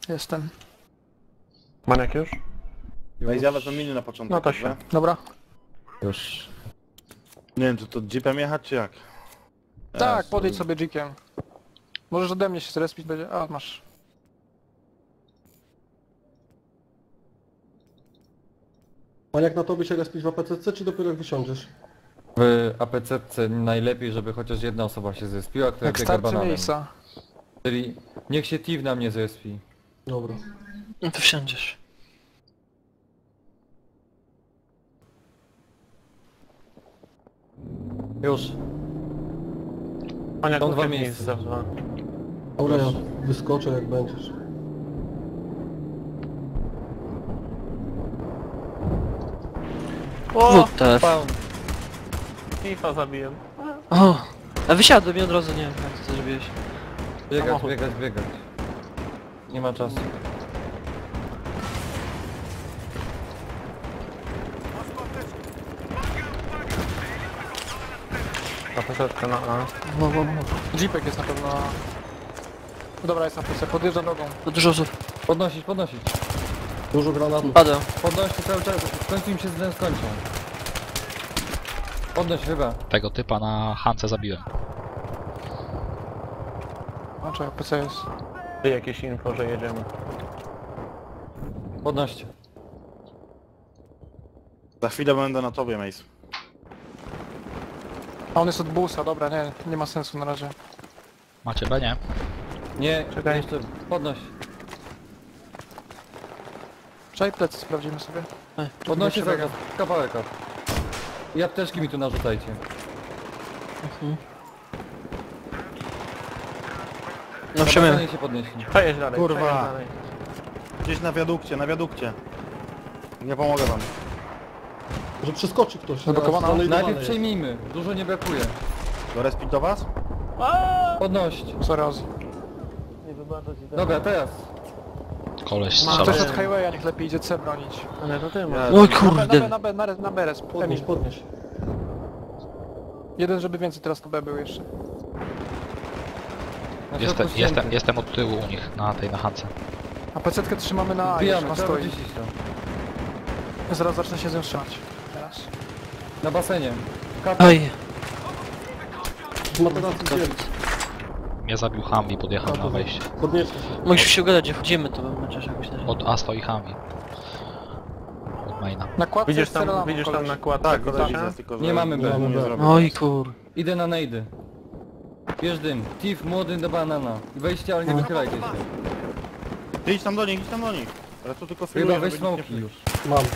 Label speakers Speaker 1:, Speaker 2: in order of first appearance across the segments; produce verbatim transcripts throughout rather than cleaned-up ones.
Speaker 1: Jestem.
Speaker 2: Maniak już?
Speaker 3: Weź ja wezmę miny na początek.
Speaker 2: No to
Speaker 3: dobrze?
Speaker 2: się.
Speaker 1: Dobra.
Speaker 4: Już.
Speaker 3: Nie wiem, czy to jeepem jechać, czy jak?
Speaker 1: Tak,
Speaker 3: Ja
Speaker 1: podejdź sobie jeepiem. Możesz ode mnie się zrespić, będzie... A, masz.
Speaker 5: A jak na tobie się respić w A P C C, czy dopiero jak wysiądziesz?
Speaker 4: W A P C C najlepiej, żeby chociaż jedna osoba się zespiła, która
Speaker 1: Jak
Speaker 4: biega
Speaker 1: starczy
Speaker 4: bananem.
Speaker 1: miejsca.
Speaker 4: Czyli niech się Tiv na mnie zespi.
Speaker 5: Dobra.
Speaker 6: No to wsiądziesz.
Speaker 4: Już.
Speaker 2: Maniak
Speaker 4: Są dwa
Speaker 2: uciekł
Speaker 4: miejsca.
Speaker 2: za dwa.
Speaker 5: Dobra, ja wyskoczę jak będziesz.
Speaker 2: O!
Speaker 6: W T F.
Speaker 4: Spawn.
Speaker 2: Kifa zabiłem.
Speaker 6: O! A wysiadłem i od razu nie wiem jak ty to zrobiłeś.
Speaker 4: Biegać,
Speaker 2: Samochód.
Speaker 4: biegać, biegać. Nie ma czasu.
Speaker 2: Na początku na A.
Speaker 6: Wo, wo, wo.
Speaker 1: Jeepek jest na pewno... Dobra, jest na plecach, podjeżdża drogą.
Speaker 6: To dużo osób.
Speaker 4: Podnosić, podnosić.
Speaker 5: Dużo granatów.
Speaker 6: Padę.
Speaker 4: Podnoście cały czas, w końcu im się z tym skończą. Podnoś chyba.
Speaker 7: Tego typa na Hance zabiłem.
Speaker 1: No czekaj, P C jest.
Speaker 2: Ty jakieś info, że jedziemy.
Speaker 4: Podnoście.
Speaker 3: Za chwilę będę na tobie, Mace.
Speaker 1: A on jest od busa, dobra, nie, nie ma sensu na razie.
Speaker 7: Macie B, nie?
Speaker 4: Nie,
Speaker 2: Czekaj.
Speaker 4: jeszcze podnoś.
Speaker 1: Czekaj, plecy sprawdzimy sobie.
Speaker 4: Podnoście
Speaker 1: Jeszcze
Speaker 4: zaraz, kawałek up. I apteczki mi tu narzucajcie.
Speaker 6: No
Speaker 4: Na
Speaker 6: wsiemy.
Speaker 4: basenie się podnieśli.
Speaker 2: Przejedź dalej,
Speaker 3: Kurwa.
Speaker 2: przejedź dalej.
Speaker 3: Gdzieś na wiadukcie, na wiadukcie. Nie pomogę wam.
Speaker 5: Że przeskoczy ktoś.
Speaker 1: Zablokowana?
Speaker 5: na stronę
Speaker 4: Najpierw
Speaker 5: idowanej.
Speaker 4: przejmijmy, dużo nie brakuje.
Speaker 3: Do respić do was?
Speaker 4: Podnoście.
Speaker 1: Sorry, Ozzy.
Speaker 2: Nie wybaczać i
Speaker 4: Dobra, teraz.
Speaker 7: Koleś
Speaker 2: Ma
Speaker 7: strzela.
Speaker 1: Ktoś od highwaya niech lepiej idzie C bronić.
Speaker 2: Ale to ty
Speaker 3: Ja-
Speaker 2: masz.
Speaker 6: Oj
Speaker 1: Na B,
Speaker 6: kurde.
Speaker 1: na B, na B, na B, res,
Speaker 5: Podnieś,
Speaker 1: Emil.
Speaker 5: podnieś.
Speaker 1: Jeden, żeby więcej teraz to B był jeszcze.
Speaker 4: Na
Speaker 7: Jestem,
Speaker 4: środku
Speaker 7: jestem,
Speaker 4: ścięty.
Speaker 7: jestem od tyłu u nich, na tej na Hance.
Speaker 1: A pecetkę trzymamy na A,
Speaker 4: Wbijamy,
Speaker 1: jeszcze
Speaker 4: trzeba
Speaker 1: stoi.
Speaker 4: wyczyścić to.
Speaker 1: Zaraz zacznę się z nią strzelać. Teraz.
Speaker 4: Na basenie. Kata.
Speaker 6: Oj.
Speaker 5: Z materacji dzieli.
Speaker 7: Mnie zabił Humvee, podjechał na wejście.
Speaker 5: Podnieście się.
Speaker 6: Mogliśmy się ugadać, gdzie wchodzimy, to bym chociaż jakoś na
Speaker 7: Od A stoi Humvee. Od maina.
Speaker 1: Na kładce
Speaker 2: Widzisz
Speaker 1: jest
Speaker 2: tam,
Speaker 1: strzelamy,
Speaker 2: widzisz tam
Speaker 1: koleś.
Speaker 2: na kładce
Speaker 3: Tak,
Speaker 2: kolesia?
Speaker 3: widzę, tylko że
Speaker 4: Nie mamy B.
Speaker 3: nie zrobię.
Speaker 6: Oj kur...
Speaker 4: Idę na nejdy. Bierz dym. Tif, młody do banana. Wejście, ale nie wychylajcie się.
Speaker 3: Ty idź tam do nich, idź tam do nich. Ale tu tylko
Speaker 4: Chyba
Speaker 3: filuję,
Speaker 4: weź
Speaker 3: żeby nikt nie
Speaker 4: smoki już.
Speaker 5: Mam.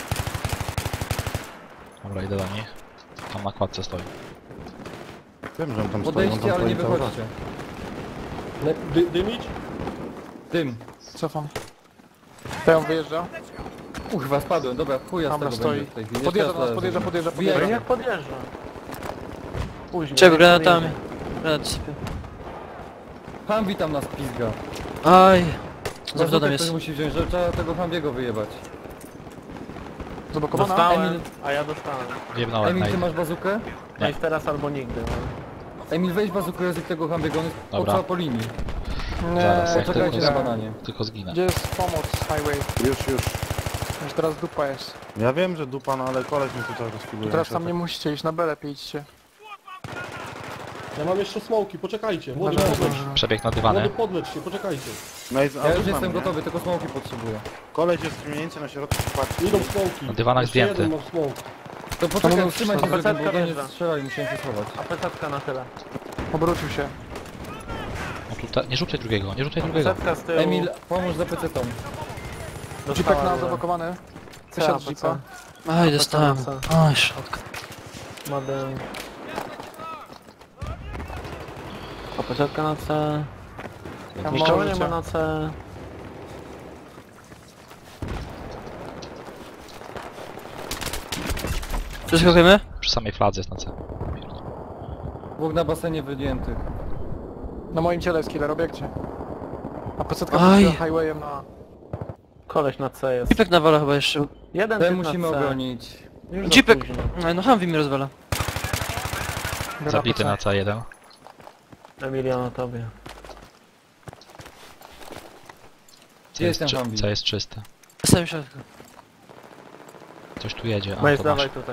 Speaker 7: Dobra, idę do nich. Tam na kładce stoi.
Speaker 3: Wiem, że on tam stoi, on
Speaker 4: Podejdźcie,
Speaker 3: tam
Speaker 4: ale nie
Speaker 3: stoi cały czas.
Speaker 4: wychodźcie.
Speaker 5: Ne- dy, dymić?
Speaker 4: Dym.
Speaker 1: Cofam. To ją wyjeżdża.
Speaker 4: Kurwa, spadłem. Dobra, chuja z
Speaker 1: Dobra,
Speaker 4: tego
Speaker 1: stoi.
Speaker 4: będzie w tej chwili.
Speaker 1: Podjeżdża
Speaker 4: Jeszcze
Speaker 1: do nas,
Speaker 4: raz
Speaker 1: podjeżdża,
Speaker 4: zrobimy.
Speaker 1: podjeżdża,
Speaker 4: Wbijaj.
Speaker 2: Ale
Speaker 1: podjeżdża.
Speaker 2: jak podjeżdża? Później.
Speaker 6: Czego
Speaker 2: jak
Speaker 6: granatami?
Speaker 2: podjedzie.
Speaker 6: Granat sypię.
Speaker 4: Humvee tam nas pizga.
Speaker 6: Aj. Za
Speaker 4: Bazukę
Speaker 6: wdodem
Speaker 4: ktoś
Speaker 6: jest.
Speaker 4: musi wziąć, że trzeba tego Humvee'ego wyjebać.
Speaker 1: Zablokowana?
Speaker 2: Dostałem,
Speaker 4: Emil-
Speaker 2: a ja dostałem.
Speaker 7: Wjebnąłem
Speaker 4: Emil,
Speaker 7: na
Speaker 4: ty
Speaker 7: idę.
Speaker 4: masz bazukę?
Speaker 2: No i teraz albo nigdy. No.
Speaker 4: Emil, weź bazukę język tego Humvee'ego, on jest
Speaker 7: Dobra.
Speaker 4: po, po linii.
Speaker 1: Nie,
Speaker 7: Zaraz, jak
Speaker 4: Poczekajcie
Speaker 7: tylko-
Speaker 4: na bananie.
Speaker 7: Tylko zginę.
Speaker 1: Gdzie jest pomoc highway?
Speaker 3: Już, już.
Speaker 1: Już teraz dupa jest.
Speaker 3: Ja wiem, że dupa, no ale koleś mi tutaj rozfiluje.
Speaker 1: Teraz tam nie musicie iść, na B lepiej idźcie.
Speaker 5: Ja mam jeszcze smoki, poczekajcie. Młody
Speaker 1: Dobra,
Speaker 5: podleć.
Speaker 1: dobra.
Speaker 7: Przebieg na
Speaker 5: Młody
Speaker 7: dywany.
Speaker 5: podleć się, poczekajcie.
Speaker 3: Mace, a
Speaker 4: Ja
Speaker 3: tu
Speaker 4: już
Speaker 3: mamy,
Speaker 4: jestem
Speaker 3: nie?
Speaker 4: gotowy, tylko smoki potrzebuję.
Speaker 3: Koleś jest mniej więcej na środku, patrz.
Speaker 5: Idą smoki.
Speaker 7: Na dywanach
Speaker 5: Jeszcze
Speaker 7: zdjęty.
Speaker 5: jeden mam smoke.
Speaker 4: To poczekaj,
Speaker 1: mamy
Speaker 4: trzymaj się,
Speaker 2: wszystko.
Speaker 4: żeby bo do nie
Speaker 2: Wjeżdża.
Speaker 4: strzelali, musiałem się schować.
Speaker 2: A pesatka na tyle.
Speaker 1: Obrócił się.
Speaker 7: O, tutaj, nie rzucaj drugiego, nie rzucaj drugiego.
Speaker 2: Pesatka z tyłu.
Speaker 4: Emil, pomóż za pecetom.
Speaker 1: Jeepek na
Speaker 2: Dostałem.
Speaker 1: zablokowany.
Speaker 2: C,
Speaker 1: Wysiadł z
Speaker 2: C.
Speaker 1: jeepa.
Speaker 6: Aj, dostałem.
Speaker 2: C.
Speaker 6: Aj, środka.
Speaker 2: Model. A pesatka na C.
Speaker 1: Ja
Speaker 2: Nikogo
Speaker 1: mam
Speaker 2: nie ma
Speaker 1: życia.
Speaker 2: na C.
Speaker 6: Przeskakujemy?
Speaker 7: Przy samej fladze jest na C.
Speaker 4: Dwóch na basenie wyjętych.
Speaker 1: Na moim ciele jest killer, obiekcie. A pecetka
Speaker 6: Aj.
Speaker 1: puściła highwayem na...
Speaker 2: Koleś na C jest.
Speaker 6: Jeepek nawala chyba jeszcze.
Speaker 2: Jeden
Speaker 4: Ten
Speaker 2: typ
Speaker 4: musimy
Speaker 2: na C.
Speaker 4: obronić.
Speaker 2: Już za
Speaker 6: Jeepek!
Speaker 2: późno.
Speaker 6: Aj, no Humvee mi rozwala.
Speaker 1: Biorę
Speaker 7: Zabity
Speaker 1: A P C.
Speaker 7: na C jeden.
Speaker 2: Emilia na tobie.
Speaker 7: C jest,
Speaker 4: Jestem
Speaker 7: czy,
Speaker 4: Humvee.
Speaker 7: C jest czyste.
Speaker 6: Na samym środku.
Speaker 7: Coś tu jedzie, a
Speaker 2: Mace,
Speaker 7: to masz.
Speaker 2: dawaj tutaj.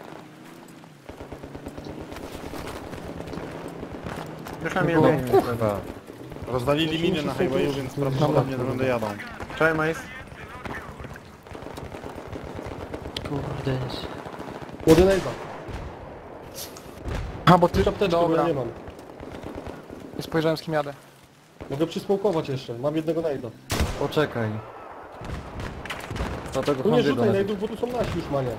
Speaker 2: Już
Speaker 4: Było-
Speaker 2: mnie
Speaker 4: Kurwa.
Speaker 3: Rozwalili miny na highwayu, więc prawdopodobnie do będę jadą.
Speaker 2: Cześć, Mace.
Speaker 6: Kurde nic.
Speaker 5: Młody nejda.
Speaker 1: A, bo ty...
Speaker 5: Ty czapteczkę, bo ja
Speaker 1: Dobra,
Speaker 5: nie mam.
Speaker 1: nie spojrzałem z kim jadę.
Speaker 5: Mogę przysmokować jeszcze, mam jednego nejda.
Speaker 4: Poczekaj. Dlatego
Speaker 5: Tu nie
Speaker 4: Humvee
Speaker 5: rzucaj
Speaker 4: do
Speaker 5: nejdów, bo tu są nasi już, mania.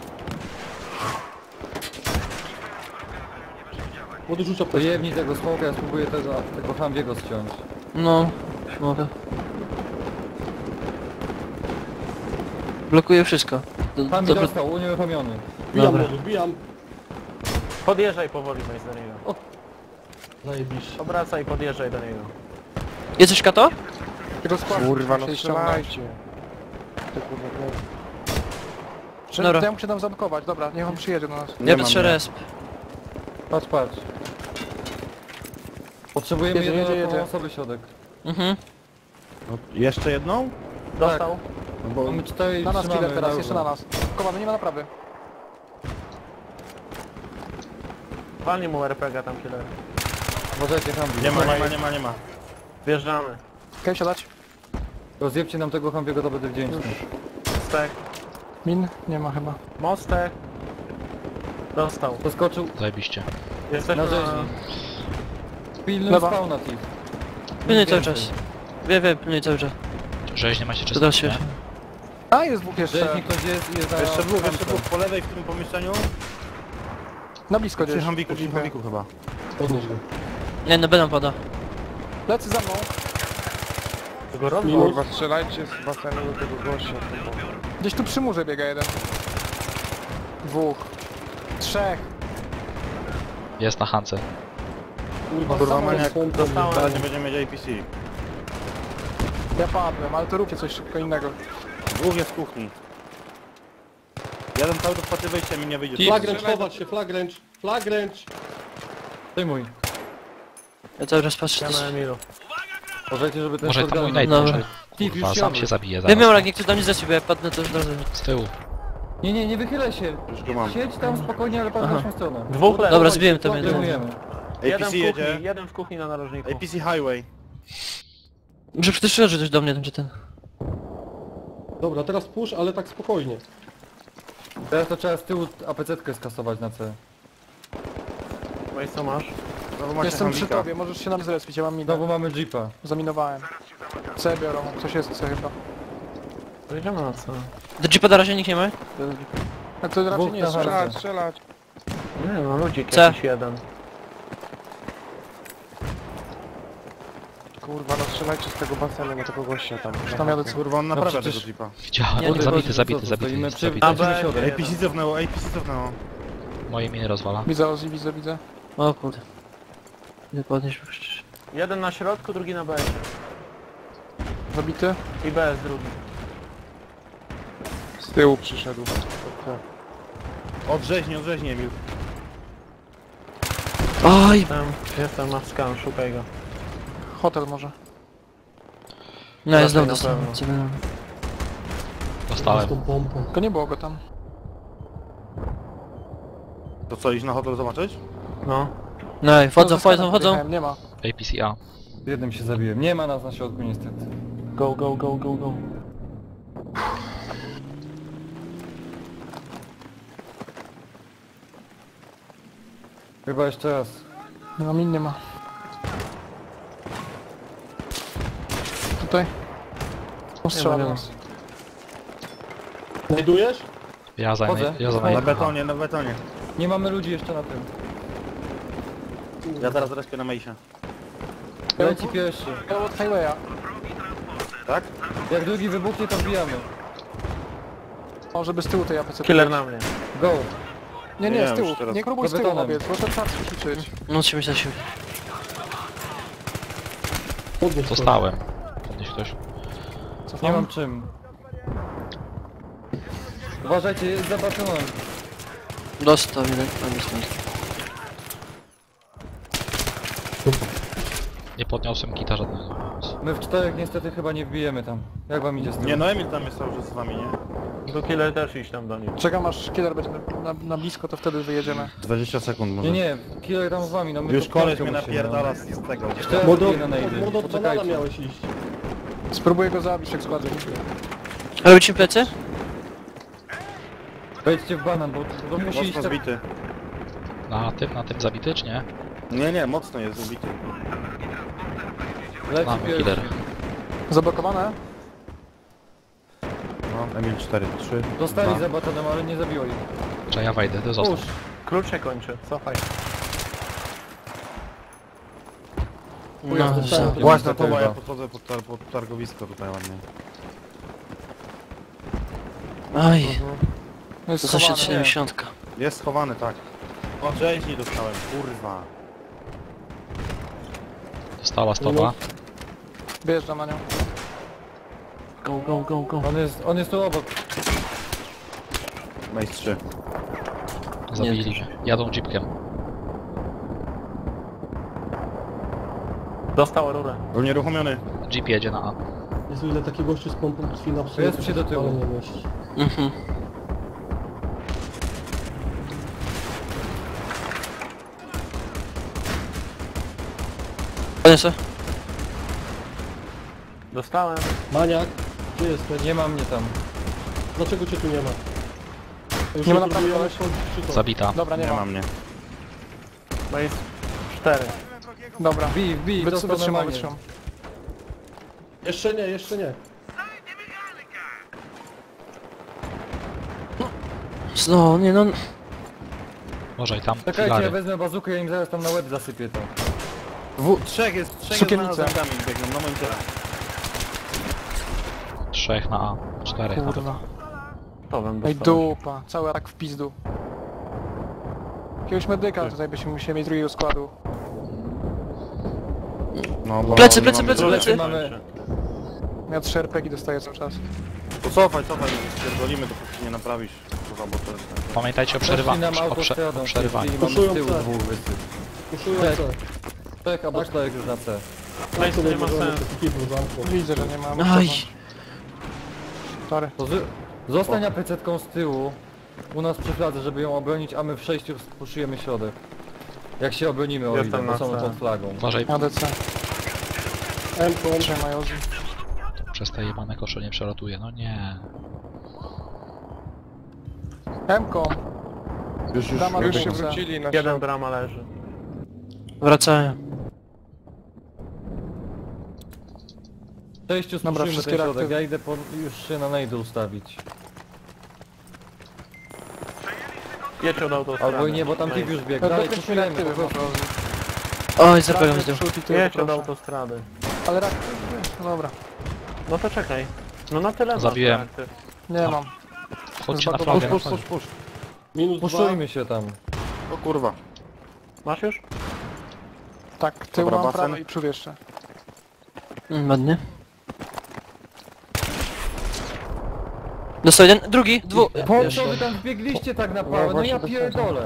Speaker 5: Młody rzuć
Speaker 4: To
Speaker 5: apteczkę.
Speaker 4: jebnij tego smoka, ja spróbuję tego, tego Humvee'ego ściąć.
Speaker 6: No, mogę. Blokuję wszystko. Do,
Speaker 4: Humvee
Speaker 6: dobra,
Speaker 4: dostał, unieruchomiony.
Speaker 5: Bijam
Speaker 6: Dobra.
Speaker 5: młody, bijam.
Speaker 2: Podjeżdżaj powoli, Mace, do niego.
Speaker 5: Zajebiście.
Speaker 2: Obracaj i podjeżdżaj do niego.
Speaker 6: jest coś kato?
Speaker 1: Tego składu.
Speaker 8: Kurwa, no
Speaker 1: się ściągnąć.
Speaker 8: strzelajcie. Ty kurwa, no.
Speaker 1: Czy
Speaker 6: Dobra.
Speaker 1: to ja muszę tam zablokować, dobra, niech on przyjedzie do nas.
Speaker 5: Nie
Speaker 6: Ja
Speaker 5: mam,
Speaker 6: patrzę
Speaker 5: nie.
Speaker 6: resp.
Speaker 4: Patrz, patrz. Potrzebujemy
Speaker 1: Jedzie,
Speaker 4: jedną
Speaker 1: jedzie, jedzie.
Speaker 4: osobę środek.
Speaker 6: Mhm.
Speaker 3: No, jeszcze jedną?
Speaker 2: Dostał.
Speaker 3: No bo
Speaker 4: Mamy cztery i
Speaker 1: Na nas
Speaker 4: trzymamy
Speaker 1: killer teraz, jeszcze na
Speaker 4: równo.
Speaker 1: nas. Kowamy, nie ma naprawy.
Speaker 2: Walnij mu R P G tam, killer.
Speaker 4: Uważajcie Humvee.
Speaker 3: nie ma, nie ma, nie ma, nie ma.
Speaker 2: Wjeżdżamy.
Speaker 1: Okej, siadać.
Speaker 4: Rozjebcie nam tego Humvee'ego, to będę wdzięczny.
Speaker 2: Stek.
Speaker 1: Min? Nie ma chyba.
Speaker 2: Mostek. Dostał.
Speaker 4: Doskoczył
Speaker 7: Zajebiście.
Speaker 2: Jesteśmy
Speaker 4: na
Speaker 2: na...
Speaker 4: rzeźni. Pilnuj
Speaker 1: Lewa.
Speaker 4: spawna, Tiff.
Speaker 6: Pilnuj cały
Speaker 4: Więcej.
Speaker 6: czas. Wiem, wiem, pilnuj cały czas.
Speaker 7: Rzeźnie macie
Speaker 6: To
Speaker 7: czyste,
Speaker 6: da się.
Speaker 7: nie?
Speaker 1: A, jest dwóch jeszcze.
Speaker 4: Rzeźnik ktoś jest i jest na...
Speaker 3: Jeszcze dwóch, jeszcze
Speaker 4: tamtym.
Speaker 3: dwóch po lewej w tym pomieszczeniu.
Speaker 1: Na blisko
Speaker 3: Przy
Speaker 1: gdzieś.
Speaker 3: Hambiku, przy Hambiku chyba.
Speaker 5: Podnieś go.
Speaker 6: Nie, no będą pada.
Speaker 1: Lecy za mną.
Speaker 2: Tego rozwój.
Speaker 8: Kurwa, strzelajcie z basenu do tego gościa. kurwa.
Speaker 1: Gdzieś tu przy murze biega jeden. Dwóch. Trzech.
Speaker 7: Jest na Hance.
Speaker 5: Kurwa,
Speaker 3: Kurwa,
Speaker 5: sama
Speaker 3: maniak.
Speaker 5: jest
Speaker 2: Dostałem.
Speaker 3: Zaraz nie będziemy mieć A P C.
Speaker 1: Ja padłem, ale to róbcie coś szybko innego.
Speaker 3: Dwóch jest w kuchni. Jeden cały czas patrzy wyjścia, mi nie wyjdzie.
Speaker 5: Flagręcz, chować się, flagręcz, flagręcz.
Speaker 4: Przejmuj.
Speaker 6: Ja cały czas patrzę.
Speaker 2: Ja
Speaker 6: też.
Speaker 2: na Emilu.
Speaker 4: Uważajcie, żeby ten
Speaker 7: Może tam mój
Speaker 4: shotgun-
Speaker 7: nate
Speaker 6: Dobra.
Speaker 7: może.
Speaker 4: Tiff,
Speaker 7: Kurwa,
Speaker 4: już
Speaker 7: sam
Speaker 4: siadł.
Speaker 7: się zabije
Speaker 6: Ja
Speaker 7: zaraz.
Speaker 6: miał rak, niech ktoś do mnie zleci, bo jak padnę to już od razu.
Speaker 7: Z tyłu.
Speaker 4: Nie, nie, nie wychylaj się.
Speaker 3: Już go mam.
Speaker 4: Siedź tam spokojnie, ale patrz w
Speaker 6: Aha.
Speaker 4: naszą stronę.
Speaker 2: Dwóch leży.
Speaker 6: Dobra, zbiłem to mnie.
Speaker 4: Przejmujemy.
Speaker 3: A P
Speaker 2: Jeden
Speaker 3: C
Speaker 2: w kuchni,
Speaker 3: jedzie.
Speaker 2: jeden w kuchni na narożniku.
Speaker 3: A P C Highway.
Speaker 6: Muszę przytrzymać coś do mnie, tam gdzie ten.
Speaker 5: Dobra, teraz push, ale tak spokojnie.
Speaker 4: Teraz to trzeba z tyłu A P C-tkę skasować na C.
Speaker 2: Mace, co masz?
Speaker 3: Znowu macie
Speaker 1: Jestem przy
Speaker 3: Hambika.
Speaker 1: tobie, możesz się nam zrespić, ja mam minę.
Speaker 4: Znowu mamy Jeepa.
Speaker 1: Zaminowałem. C biorą, coś jest C chyba.
Speaker 2: Pojedziemy na co?
Speaker 6: Do jeepa na razie nikt nie ma?
Speaker 1: A to raczej
Speaker 4: Dwóch
Speaker 1: nie jest
Speaker 4: na
Speaker 1: strzelać.
Speaker 8: Strzelać, strzelać.
Speaker 2: Nie no, ludzik
Speaker 6: Co?
Speaker 2: jakiś jeden.
Speaker 8: Kurwa, no strzelajcie z tego basenu na tego gościa tam.
Speaker 1: Tam jadę co.
Speaker 3: Kurwa, on naprawia
Speaker 4: przecież-
Speaker 3: tego Jeepa.
Speaker 7: Widziałem.
Speaker 6: Nie, nie
Speaker 7: zabity,
Speaker 6: chodzi,
Speaker 7: zabity,
Speaker 4: co,
Speaker 7: zabity,
Speaker 4: stoimy
Speaker 7: jest,
Speaker 4: przy-
Speaker 7: zabity.
Speaker 4: A,
Speaker 2: B,
Speaker 4: środek.
Speaker 3: A P C cofnęło, A P C cofnęło.
Speaker 7: Moje miny rozwala.
Speaker 1: Widzę Ozzy, widzę, widzę.
Speaker 6: O kurde. Nie podnieś przecież.
Speaker 2: Jeden na środku, drugi na B.
Speaker 1: Zabity.
Speaker 2: I B jest drugi.
Speaker 8: Z tyłu przyszedł.
Speaker 3: Od rzeźni, od rzeźni, Emil.
Speaker 6: Oj!
Speaker 2: Jestem, jestem na scan, szukaj go.
Speaker 1: Hotel może.
Speaker 6: No jest
Speaker 2: Raczej
Speaker 6: dom
Speaker 2: na
Speaker 6: dostałem.
Speaker 2: pewno.
Speaker 6: Cywilny.
Speaker 5: Z
Speaker 7: Dostałem.
Speaker 5: tą pompą.
Speaker 1: Tylko nie było go tam.
Speaker 3: To co, iść na hotel zobaczyć?
Speaker 2: No.
Speaker 6: No i wchodzą,
Speaker 1: No, ze
Speaker 6: wchodzą,
Speaker 1: skanem
Speaker 6: wchodzą.
Speaker 1: podjechałem, Nie ma.
Speaker 7: A P C A.
Speaker 4: Jednym się zabiłem. Nie ma nas na środku niestety.
Speaker 2: Go, go, go, go, go.
Speaker 4: Chyba jeszcze raz.
Speaker 1: Nie ma min, nie ma. Tutaj. Strzela do nas.
Speaker 5: Znajdujesz?
Speaker 7: Ja zajmę,
Speaker 4: Chodzę.
Speaker 7: ja
Speaker 3: Na
Speaker 7: zajmę.
Speaker 3: betonie, na betonie.
Speaker 4: Nie mamy ludzi jeszcze na tym.
Speaker 3: Ja zaraz respię na Mejsie.
Speaker 4: Leci pierwszy.
Speaker 1: Ja od highwaya.
Speaker 3: Tak?
Speaker 4: Jak drugi wybuchnie, to wbijamy.
Speaker 1: O, żeby z tyłu tej A P C.
Speaker 2: Killer na mnie.
Speaker 4: Go!
Speaker 1: Nie,
Speaker 3: Nie,
Speaker 1: nie, z
Speaker 3: już
Speaker 1: tyłu.
Speaker 3: teraz.
Speaker 1: Nie próbuj z
Speaker 4: Za
Speaker 1: tyłu
Speaker 4: betonem.
Speaker 1: obiec, bo to trzeba ćwiczyć.
Speaker 6: No trzymaj się na siebie.
Speaker 5: Podnieś go.
Speaker 7: Zostałem. Podnieś ktoś.
Speaker 4: Nie mam czym. Uważajcie, jest za batonem.
Speaker 6: Dostał jeden, a nie stąd.
Speaker 7: Nie podniosłem kita żadnego.
Speaker 4: My w czterech niestety chyba nie wbijemy tam. Jak wam idzie z tym?
Speaker 3: Nie no, Emil tam jest cały czas z wami, nie?
Speaker 2: Do killer też iść tam do nich.
Speaker 1: Czekam aż killer będzie na, na, na blisko, to wtedy wyjedziemy.
Speaker 3: dwadzieścia sekund może.
Speaker 4: Nie, nie, killer tam z wami, no my
Speaker 3: Już
Speaker 4: to
Speaker 3: koleś
Speaker 4: piątkę
Speaker 3: mnie
Speaker 4: musimy,
Speaker 3: napierdala
Speaker 4: no.
Speaker 3: z z tego.
Speaker 4: Cztery
Speaker 5: Modo,
Speaker 4: wbije na najdy.
Speaker 5: modo od banana
Speaker 4: Poczekajcie.
Speaker 5: miałeś iść.
Speaker 1: Spróbuję go zabić jak składzie.
Speaker 6: Robicie plecy?
Speaker 4: Wejdźcie w banan, bo to musi iść
Speaker 3: Mocno
Speaker 4: tak...
Speaker 3: zbity.
Speaker 7: Na tym, na tym zabity, czy nie?
Speaker 3: Nie, nie, mocno jest zbity.
Speaker 4: Leci
Speaker 7: Mamy
Speaker 4: pierwszy.
Speaker 7: killer.
Speaker 1: Zablokowane?
Speaker 3: No, Emil cztery, trzy,
Speaker 4: Dostali
Speaker 3: dwa.
Speaker 4: za batonem, ale nie zabiło ich.
Speaker 7: Czy ja wejdę, to został.
Speaker 4: Push.
Speaker 2: Klucz się kończy, cofaj.
Speaker 6: No,
Speaker 5: dostałem.
Speaker 6: za-
Speaker 3: Właśnie to,
Speaker 4: Chyba.
Speaker 3: bo ja podchodzę pod, tar pod targowisko tutaj ładnie.
Speaker 6: Oj,
Speaker 1: No jest
Speaker 6: zaszedł
Speaker 1: schowane, nie.
Speaker 6: siedemdziesiąt.
Speaker 3: Jest schowany, tak. O, cześć, nie dostałem, kurwa.
Speaker 7: Dostała stopa.
Speaker 1: Wjeżdżam na nią.
Speaker 6: Go, go, go, go.
Speaker 4: On jest, on jest tu obok.
Speaker 3: Mace trzy.
Speaker 7: Zabili mnie. Jadą jeepkiem.
Speaker 2: Dostał rurę.
Speaker 3: Był nieruchomiony.
Speaker 7: Jeep jedzie na A.
Speaker 5: Jezu, ile taki gościu z pompą krwi na
Speaker 4: To jest przy do tyłu.
Speaker 5: nie mieści.
Speaker 6: Mhm. Podniosę.
Speaker 2: Dostałem.
Speaker 5: Maniak, gdzie jesteś?
Speaker 4: Nie ma mnie tam.
Speaker 5: Dlaczego cię tu nie ma? Już
Speaker 1: Nie ma
Speaker 5: nie
Speaker 1: naprawdę
Speaker 5: próbujemy wchodzić, czy to?
Speaker 7: Zabita.
Speaker 1: Dobra, nie,
Speaker 3: Nie
Speaker 1: ma.
Speaker 3: ma mnie.
Speaker 2: No jest cztery.
Speaker 1: Dobra.
Speaker 4: Wbij, wbij,
Speaker 1: Wytrzy-
Speaker 4: dostał
Speaker 1: Wytrzymam,
Speaker 4: normalnie.
Speaker 1: wytrzymam.
Speaker 5: Jeszcze nie, jeszcze nie.
Speaker 6: No, nie no.
Speaker 7: Może i tam
Speaker 4: Czekajcie, ja
Speaker 7: filary.
Speaker 4: wezmę bazukę, ja im zaraz tam na łeb zasypię to.
Speaker 3: W, trzech jest, trzech jest
Speaker 1: Sukiennice.
Speaker 3: na zamkami biegną, na moim ciele.
Speaker 7: Trzech na A. Czterech na B.
Speaker 1: Kurwa.
Speaker 2: To bym
Speaker 1: Ej
Speaker 2: dostał.
Speaker 1: dupa, cały atak w pizdu. Jakiegoś medyka tutaj byśmy musieli mieć drugiego składu.
Speaker 3: No, bo
Speaker 6: Plecy,
Speaker 3: nie
Speaker 6: plecy,
Speaker 3: mamy
Speaker 6: plecy,
Speaker 3: dużo.
Speaker 6: plecy.
Speaker 4: Mamy...
Speaker 1: Ja trzy er pe gie dostaję cały czas.
Speaker 3: To cofaj, cofaj, spierdolimy, dopóki nie naprawisz. Kurwa, bo to jest...
Speaker 7: Pamiętajcie o
Speaker 4: Poszli
Speaker 7: przerywaniu.
Speaker 4: nam
Speaker 7: O, prze
Speaker 4: autostradą,
Speaker 7: o przerywaniu.
Speaker 4: i mamy z
Speaker 5: Puszują
Speaker 4: tyłu
Speaker 5: C.
Speaker 4: dwóch wysyp.
Speaker 5: Puszują
Speaker 4: Tak.
Speaker 5: C.
Speaker 4: Tak, albo czterech już na C.
Speaker 2: Place nie ma sensu.
Speaker 5: Kiblu zamknął.
Speaker 1: Widzę, że nie ma.
Speaker 6: Aj.
Speaker 1: Sorry.
Speaker 4: To z... Zostań apecetką z tyłu. U nas przy fladze, żeby ją obronić, a my w przejściu spuszujemy środek. Jak się obronimy o ile,
Speaker 2: Jestem
Speaker 4: bo
Speaker 2: na
Speaker 4: są
Speaker 2: C.
Speaker 4: pod flagą.
Speaker 7: Uważaj,
Speaker 1: A D C.
Speaker 5: M-kom.
Speaker 1: Trzymaj Ozzy.
Speaker 7: przez te jebane kosze nie przelatuje. No nie.
Speaker 1: M-kom.
Speaker 3: Już, już,
Speaker 1: Dama
Speaker 3: już,
Speaker 1: już
Speaker 8: Już się
Speaker 1: się
Speaker 8: wrócili na
Speaker 2: Jeden
Speaker 8: środek.
Speaker 2: brama leży.
Speaker 6: Wracałem.
Speaker 4: W przejściu
Speaker 1: Dobra,
Speaker 4: spuszujmy
Speaker 1: wszystkie
Speaker 4: ten środek,
Speaker 1: reaktywy.
Speaker 4: ja idę po... już się na najdę ustawić.
Speaker 2: Jedź od autostrady.
Speaker 4: Albo i nie, bo tam tip już biegł.
Speaker 1: No,
Speaker 4: Dalej,
Speaker 1: dokończmy
Speaker 4: puszujemy po
Speaker 1: reaktywy,
Speaker 4: prostu.
Speaker 6: Oj, zapewne z tyłu.
Speaker 2: Jedź od autostrady.
Speaker 1: Ale reaktywy, no dobra.
Speaker 2: No to czekaj. No na tyle masz
Speaker 7: Zabiłem.
Speaker 2: reaktyw.
Speaker 1: Nie mam.
Speaker 7: Chodźcie na
Speaker 1: Push,
Speaker 7: flagę.
Speaker 3: push, push, push.
Speaker 5: Minus dwa.
Speaker 4: Puszujmy się tam.
Speaker 3: O kurwa.
Speaker 2: Masz już?
Speaker 1: Tak, tył
Speaker 3: Dobra,
Speaker 1: mam
Speaker 3: basen.
Speaker 1: prawo i przód jeszcze.
Speaker 6: Mm, ładnie. Dostał jeden, drugi, dwu...
Speaker 4: Po
Speaker 6: Jeszcze.
Speaker 4: co wy tam wbiegliście tak na pałę? No ja pierdolę.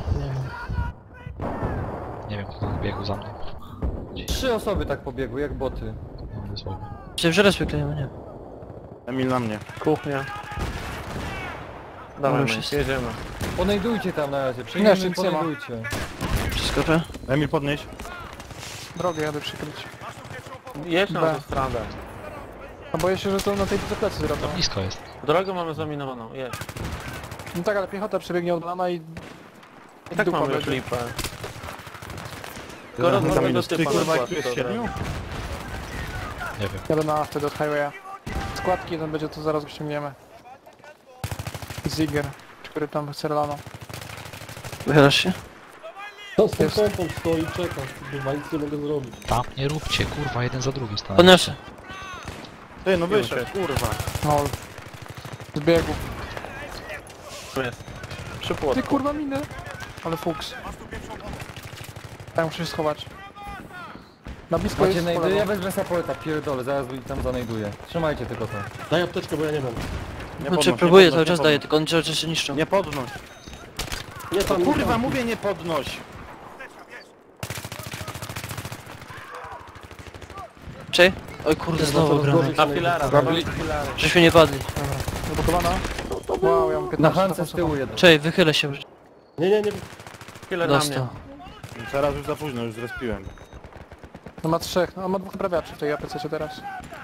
Speaker 7: Nie wiem, kto tam biegł za mną.
Speaker 4: Trzy osoby tak pobiegły, jak boty.
Speaker 7: No, dosłownie.
Speaker 6: Myślałem, że raz wyklejemy, nie?
Speaker 3: Emil na mnie.
Speaker 2: Kuchnia. Dawaj,
Speaker 6: już
Speaker 2: my,
Speaker 6: jest.
Speaker 2: jedziemy.
Speaker 4: Ponejdujcie tam na razie,
Speaker 1: Nie,
Speaker 4: przyjmiemy
Speaker 1: nic nie ma.
Speaker 4: ponejdujcie.
Speaker 6: Przeskoczę.
Speaker 3: Emil podnieś.
Speaker 1: Drogę jadę przykryć.
Speaker 2: Jedź na
Speaker 1: B.
Speaker 2: autostradę.
Speaker 1: A boję się, że to na tej plecy zrobią.
Speaker 7: Blisko jest.
Speaker 2: Drogę mamy zaminowaną, jedź.
Speaker 1: No tak, ale piechota przebiegnie od lana i...
Speaker 2: I tak
Speaker 1: dupa
Speaker 2: mamy już
Speaker 1: będzie.
Speaker 2: lipę. Skoro
Speaker 3: Za
Speaker 2: mamy do
Speaker 3: minus. Ty
Speaker 2: typa
Speaker 3: kurwa,
Speaker 2: na
Speaker 3: jak tu jest
Speaker 2: skład, to
Speaker 3: siedmiu?
Speaker 7: Nie wiem.
Speaker 1: Jadę na wtedy od highwaya. Składki jeden będzie, to zaraz go ściągniemy. Zigger, który tam chce lano.
Speaker 6: Wychylasz się?
Speaker 5: To z tą
Speaker 1: Jest.
Speaker 5: pompą stoi, czeka. Kurwa, nic nie mogę zrobić.
Speaker 7: Tam nie róbcie, kurwa, jeden za drugim stanę.
Speaker 6: Podniosę.
Speaker 3: Ty, no wyszedł, kurwa.
Speaker 1: No. Zbiegł.
Speaker 2: Tu jest. Przy
Speaker 1: Ty
Speaker 2: płotku.
Speaker 1: kurwa minę. Ale fuks. Ja muszę się schować. Na blisko
Speaker 4: Macie
Speaker 1: jest po
Speaker 4: najdy,
Speaker 1: lewo.
Speaker 4: ja wezmę sapoleta, pierdolę, zaraz ich tam zanajduję. Trzymajcie tylko to.
Speaker 5: Daj apteczkę, bo ja nie mam.
Speaker 3: Nie
Speaker 6: Znaczy
Speaker 3: podnoś,
Speaker 6: próbuję,
Speaker 3: nie
Speaker 6: cały
Speaker 3: podnoś,
Speaker 6: czas daję, tylko oni cały czas się niszczą.
Speaker 3: Nie podnoś.
Speaker 5: Nie tam, nie
Speaker 3: Kurwa,
Speaker 5: tam.
Speaker 3: mówię nie podnoś.
Speaker 6: Czy? Oj kurde,
Speaker 5: Chyba
Speaker 6: znowu
Speaker 5: coraz
Speaker 6: granat.
Speaker 5: gorzej
Speaker 2: Na
Speaker 5: się
Speaker 2: filara,
Speaker 8: Zabili-
Speaker 2: na filary.
Speaker 6: Żeśmy nie padli.
Speaker 1: Zablokowana. Wow, ja mam
Speaker 4: Na
Speaker 1: piętnaście.
Speaker 4: Hance z tyłu jeden.
Speaker 6: Czej, wychylę się.
Speaker 5: Nie, nie, nie.
Speaker 2: Filar na
Speaker 6: Dostał.
Speaker 2: mnie.
Speaker 3: Teraz już za późno, już zrespiłem.
Speaker 1: No ma trzech, no ma dwóch prawiaczy w tej A P C teraz.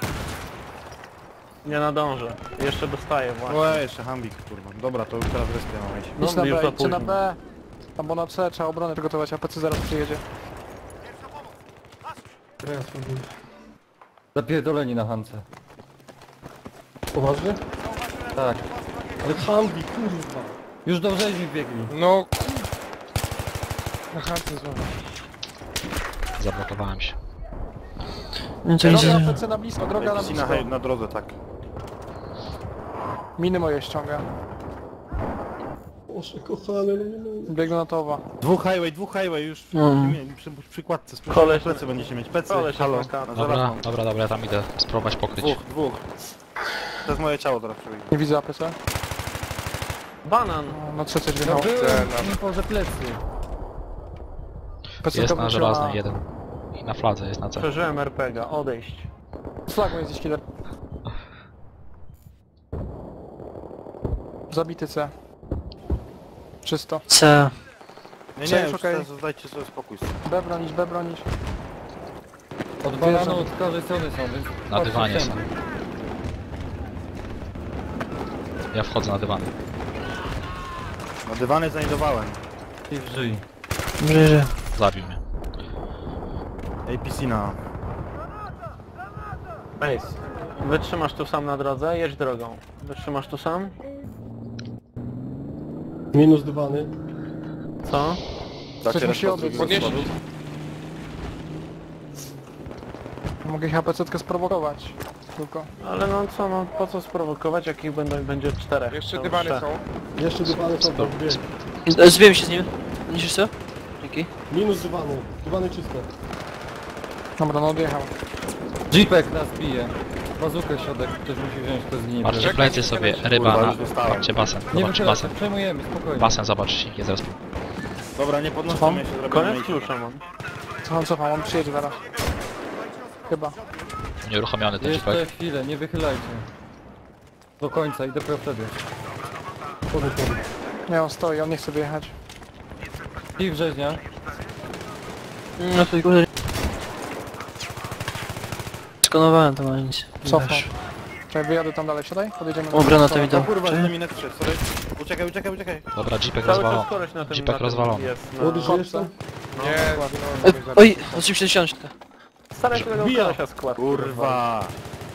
Speaker 2: Nie nadążę. Jeszcze dostaję właśnie.
Speaker 3: O, jeszcze Hambik, kurwa. Dobra, to już teraz respię mam iść.
Speaker 2: No,
Speaker 1: Idź na
Speaker 2: już
Speaker 1: B,
Speaker 2: za
Speaker 1: idźcie na
Speaker 2: późno.
Speaker 1: B. Albo na C, trzeba obronę przygotować, A P C zaraz przyjedzie.
Speaker 4: Zapierdoleni na Hance.
Speaker 5: Poważnie?
Speaker 4: Tak.
Speaker 5: Ale Hambi, kurwa.
Speaker 4: Już do rzeźni biegli.
Speaker 8: No... Na chance znowu.
Speaker 7: Zablokowałem się.
Speaker 6: No to nic
Speaker 1: Droga
Speaker 6: nie...
Speaker 1: A P C na blisko, droga na
Speaker 3: Ej, na,
Speaker 1: blisko.
Speaker 3: na drodze, tak.
Speaker 1: Miny moje ściąga.
Speaker 5: Boże, kochany, no nie mogę.
Speaker 1: Biegnę na towa.
Speaker 3: Dwóch highway, dwóch highway już w,
Speaker 6: Mm.
Speaker 3: przy, przy przykładce.
Speaker 2: Koleś-
Speaker 3: Koleś, plecy będziecie mieć. Plecy,
Speaker 2: Koleś
Speaker 3: halo.
Speaker 2: na kartę.
Speaker 3: Na
Speaker 7: Dobra,
Speaker 3: żelazną.
Speaker 7: dobra, dobra, ja tam idę spróbować pokryć.
Speaker 3: Dwóch, dwóch. To jest moje ciało teraz przebiegnie.
Speaker 1: Nie widzę A P C.
Speaker 2: Banan!
Speaker 1: No, na C coś
Speaker 4: No
Speaker 1: wjechało.
Speaker 4: byłem info, że plecy.
Speaker 1: P C
Speaker 7: Jest
Speaker 1: to
Speaker 7: na
Speaker 1: wróciła
Speaker 7: żelaznej jeden. I na fladze jest na C.
Speaker 2: Przeżyłem R P G A, odejść.
Speaker 1: Z flagą jest gdzieś killer. Zabity C. Czysto.
Speaker 6: C.
Speaker 3: Nie,
Speaker 1: Cześć,
Speaker 3: nie, już
Speaker 1: okej.
Speaker 3: teraz dajcie sobie spokój.
Speaker 1: B bronić, B bronić.
Speaker 4: Od bananu od każdej strony są, więc...
Speaker 7: Na
Speaker 4: patrzcie
Speaker 7: dywanie są.
Speaker 4: wszędzie.
Speaker 7: Ja wchodzę na dywan.
Speaker 3: Na dywany znajdowałem.
Speaker 4: I w żyj.
Speaker 6: Dobrze, że...
Speaker 7: Zabił mnie.
Speaker 3: A P C na...
Speaker 2: Ace. Wytrzymasz tu sam na drodze, jedź drogą. Wytrzymasz tu sam?
Speaker 5: Minus dywany.
Speaker 2: Co?
Speaker 1: Ktoś musi obiec.
Speaker 8: Podnieśli.
Speaker 1: Mogę ich A P C sprowokować. Tylko.
Speaker 2: Ale no co, no po co sprowokować, jak ich będą, będzie czterech?
Speaker 8: Jeszcze
Speaker 2: To
Speaker 8: dywany
Speaker 2: trzech.
Speaker 8: są.
Speaker 5: Jeszcze dywany są, to dwie.
Speaker 6: Z- Zbiłem się z nim. Niesiesz co? Dzięki.
Speaker 5: Minus dywany. Dywany czyste.
Speaker 1: Dobra, no odjechał.
Speaker 4: Jeepek nas bije. Bazukę środek, ktoś musi wziąć, kto zginie.
Speaker 7: Patrzcie
Speaker 8: Czekaj,
Speaker 7: plecy
Speaker 8: czekaj,
Speaker 7: sobie,
Speaker 8: czekaj.
Speaker 7: ryba
Speaker 3: Kurwa,
Speaker 7: na...
Speaker 3: już dostałem.
Speaker 7: Patrzcie basen,
Speaker 4: Nie
Speaker 7: zobaczcie
Speaker 4: wychylaj się,
Speaker 7: basen.
Speaker 4: przejmujemy, spokojnie.
Speaker 7: Basen, zobaczcie, nie zespół.
Speaker 3: Dobra, nie podnoszę mnie się zrobię.
Speaker 2: Koniec klucza mam.
Speaker 1: Cofam, cofam, on przyjedzie zaraz. Chyba.
Speaker 7: Nieuruchomiony ten
Speaker 4: Jeszcze
Speaker 7: jeepek.
Speaker 4: chwilę, nie wychylajcie. Do końca i dopiero wtedy.
Speaker 5: Chody, chody.
Speaker 1: Nie, on stoi, on nie chce wyjechać.
Speaker 4: I wrzeźnia.
Speaker 6: No to kurde... Skanowałem to, ale nic. Nie
Speaker 1: Cofam.
Speaker 6: wiesz.
Speaker 1: Czekaj, wyjadę tam dalej, siadaj, podjedziemy.
Speaker 6: O, granat mi
Speaker 3: O
Speaker 6: dał.
Speaker 3: kurwa,
Speaker 6: Czekaj.
Speaker 3: z nimi net wszedł, sorry. Uciekaj, uciekaj, uciekaj.
Speaker 7: Dobra, jeepek
Speaker 2: Cały
Speaker 7: rozwalony.
Speaker 2: czas koleś na tym,
Speaker 7: Jeepek
Speaker 2: na tym
Speaker 7: rozwalony.
Speaker 2: jest.
Speaker 5: Młody,
Speaker 2: Na...
Speaker 5: żyjesz tam?
Speaker 2: No,
Speaker 8: Nie,
Speaker 2: dokładnie.
Speaker 6: E, Oj, odczym się ściążkę.
Speaker 2: Staraj się tego
Speaker 5: Wbija.
Speaker 2: kolesia skład.
Speaker 3: Kurwa.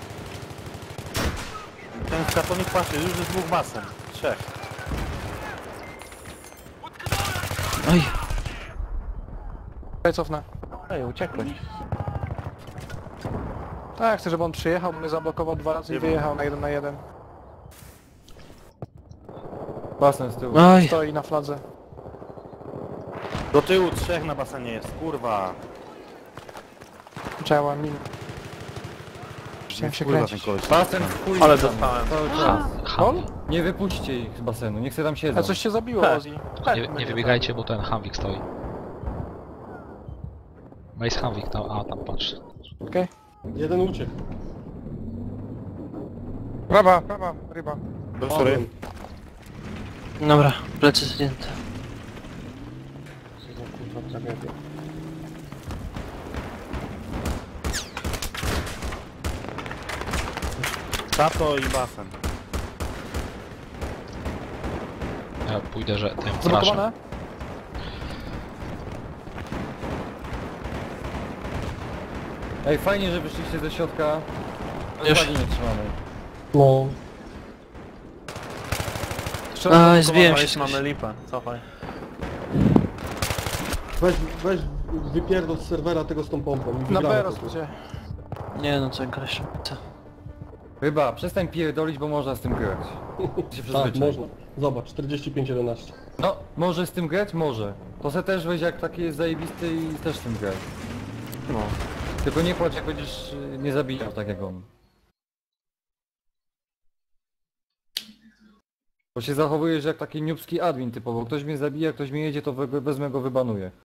Speaker 3: Ten skatonik patrzy, już jest dwóch basen. Trzech.
Speaker 6: Oj.
Speaker 1: Czekaj, cofnę.
Speaker 2: Ej, uciekłeś.
Speaker 1: Tak, chcę, żeby on przyjechał, bo mnie zablokował dwa razy i wyjechał na jeden na jeden.
Speaker 4: Basen z tyłu.
Speaker 6: Oj.
Speaker 1: Stoi na fladze.
Speaker 3: Do tyłu trzech na basenie jest, kurwa.
Speaker 1: Działa min. Chciałem się
Speaker 3: Kurwa ten
Speaker 1: kręcić.
Speaker 3: koleś.
Speaker 4: Basen w chuj
Speaker 2: Ale
Speaker 4: tam,
Speaker 2: dostałem.
Speaker 4: cały czas.
Speaker 7: Ham.
Speaker 4: Nie wypuśćcie ich z basenu, niech se tam siedzą.
Speaker 1: A coś się zabiło,
Speaker 2: He.
Speaker 1: Ozzy.
Speaker 7: Nie, nie wybiegajcie, bo ten Hamwik stoi. Mace Hamwik tam, a tam patrz.
Speaker 1: Okej?
Speaker 5: Jeden uciekł.
Speaker 8: Prawa, prawa, ryba.
Speaker 3: Do sorry.
Speaker 6: Dobra, plecy zdjęte.
Speaker 8: Co za kurwa tragedia.
Speaker 3: Tato i basen.
Speaker 7: Ja pójdę, że tym crashem.
Speaker 1: Zablokowane?
Speaker 4: Ej, fajnie, że wyszliście ze środka. Ale
Speaker 6: Już.
Speaker 4: flagi nie trzymamy.
Speaker 5: No.
Speaker 1: Jeszcze raz
Speaker 6: Aj,
Speaker 1: zablokowane.
Speaker 6: zbiłem się
Speaker 2: Oj,
Speaker 6: z
Speaker 2: mamy lipę, cofaj.
Speaker 5: Weź, weź wypierdol z serwera tego z tą pompą. i
Speaker 1: Na
Speaker 5: wygramy
Speaker 1: B
Speaker 5: to.
Speaker 1: rozkucie.
Speaker 6: Nie no, co koleś. Co?
Speaker 4: Chyba, przestań pierdolić, bo można z tym grać. Się
Speaker 5: Tak,
Speaker 4: przyzwyczaj.
Speaker 5: można. Zobacz, czterdzieści pięć jedenaście.
Speaker 4: No, może z tym grać? Może. To se też weź jak taki jest zajebisty i też z tym grać.
Speaker 2: No.
Speaker 4: Tylko nie płacz jak będziesz y, nie zabijał tak jak on. Bo się zachowujesz jak taki niubski admin typowo. Ktoś mnie zabija, ktoś mnie jedzie, to we- wezmę go, wybanuję.